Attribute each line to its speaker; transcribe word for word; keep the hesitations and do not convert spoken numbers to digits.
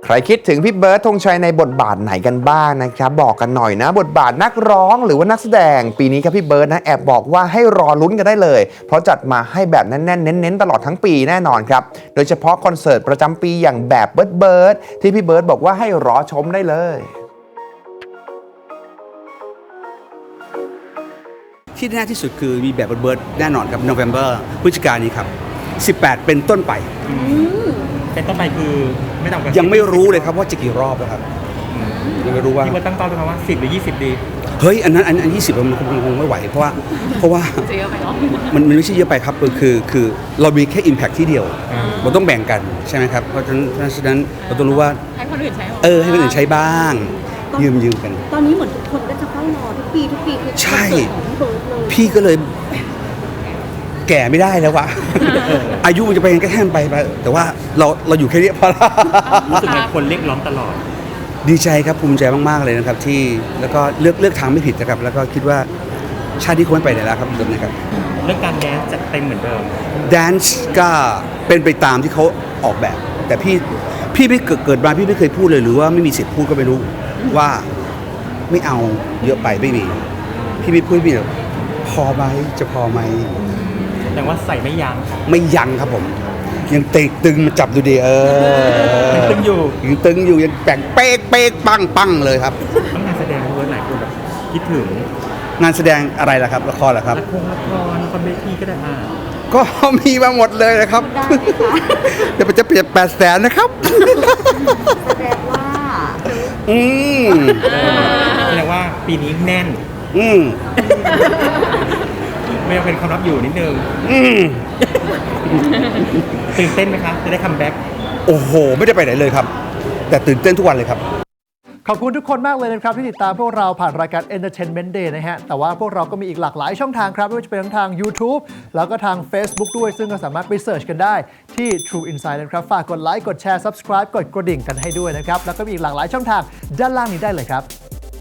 Speaker 1: ใครคิดถึงพี่เบิร์ดธงชัยในบทบาทไหนกันบ้างนะครับบอกกันหน่อยนะบทบาทนักร้องหรือว่านักแสดงปีนี้ครับพี่เบิร์ดนะแอบบอกว่าให้รอลุ้นกันได้เลยเพราะจัดมาให้แบบแน่นๆเน้นๆตลอดทั้งปีแน่นอนครับโดยเฉพาะคอนเสิร์ตประจำปีอย่างแบบเบิร์ดเบิร์ดที่พี่เบิร์ดบอกว่าให้รอชมได้เลย
Speaker 2: ที่แน่ที่สุดคือมีแบบเบิร์ดแน่นอนครับ November พฤศจิกายนนี้ครับสิบแปดเป็นต้นไป
Speaker 3: เป็นต้นไปคือไม่ต่ำกว่า
Speaker 2: ยังไม่รู้เลยครับว่าจะกี่รอบแล้วครับยังไม่รู้ว่า
Speaker 3: พี่เบิร์ดตั้งเป้าด้วยว่าสิบหรือยี่สิบดี
Speaker 2: เฮ้ยอันนั้นอันอันยี่สิบมันคงคงไม่ไหวเพราะว่าเพราะว่ามันมันไม่ใช่เยอะไปครับคือคือเรามีแค่ impact ที่เดียวเราต้องแบ่งกันใช่ไหมครับเพราะฉะนั้นเพราะฉะนั้นเราต้องรู้ว่า
Speaker 4: ให้คนอื่นใช้
Speaker 2: เออให้คนอื่นใช้บ้างยืมยืมกัน
Speaker 4: ตอนนี้เหมือนทุกคนก็จะเฝ้ารอทุกปีทุกปีคือ
Speaker 2: ใช่พี่ก็เลยแก่ไม่ได้แล้ววะอายุมันจะไปกันแค่ไปไปแต่ว่าเราเราอยู่แค่นี้พอละ
Speaker 3: รู้สึกไงคนเรียกร้องตลอด
Speaker 2: ดีใจครับภูมิใจมากๆเลยนะครับที่แล้วก็เลือกเลือกทางไม่ผิดนะครับแล้วก็คิดว่าชาติที่ควรไปไหนแล้วครับทุกนะครับ
Speaker 3: เรื่องการแดนซ์จัดเต็มเหมือนเดิม
Speaker 2: แดนซ์ก็เป็นไปตามที่เขาออกแบบแต่พี่พี่ไม่เกิดเกิดมาพี่ไม่เคยพูดเลยหรือว่าไม่มีสิทธิ์พูดก็ไม่รู้ว่าไม่เอาเยอะไปไม่มีพี่ไม่พูดพี่พอไหมจะพอไหม
Speaker 3: แต่ว่าใส่ไม่ยั้ง
Speaker 2: ไม่ยั้งครับผมยังเตะตึงมาจับดูดิเออ
Speaker 3: ยังตึงอยู่
Speaker 2: ยังตึงอยู่ยังแป่งเป๊กเป๊กปังปังเลยครับ
Speaker 3: งานแสดงเวิร์ดหลายคนแบบคิดถึง
Speaker 2: งานแสดงอะไรล่ะครับละครเหรอครับ
Speaker 3: ละครละครละครเวทีก็ได้อ่า
Speaker 2: ก็มีมาหมดเลยนะครับเดี๋ยวจะเปลี่ยนแปดแสนนะครับ
Speaker 4: แสดงว่า
Speaker 2: อืม
Speaker 3: แสดงว่าปีนี้แน่น
Speaker 2: อืม
Speaker 3: ไม่เป็นความลับอยู่นิดนึง
Speaker 2: อืม
Speaker 3: ตื่นเต้นไหมคะจะได้คัมแบ็ก
Speaker 2: โอ้โหไม่ได้ไปไหนเลยครับแต่ตื่นเต้นทุกวันเลยครับ
Speaker 5: ขอบคุณทุกคนมากเลยนะครับที่ติดตามพวกเราผ่านรายการ Entertainment Day นะฮะแต่ว่าพวกเราก็มีอีกหลากหลายช่องทางครับไม่ว่าจะเป็นทั้งทาง YouTube แล้วก็ทาง Facebook ด้วยซึ่งก็สามารถไปเสิร์ชกันได้ที่ True Insight นะครับฝากกดไลค์กดแชร์ Subscribe กดกระดิ่งกันให้ด้วยนะครับแล้วก็มีอีกหลากหลายช่องทางด้านล่างนี้ได้เลยครับ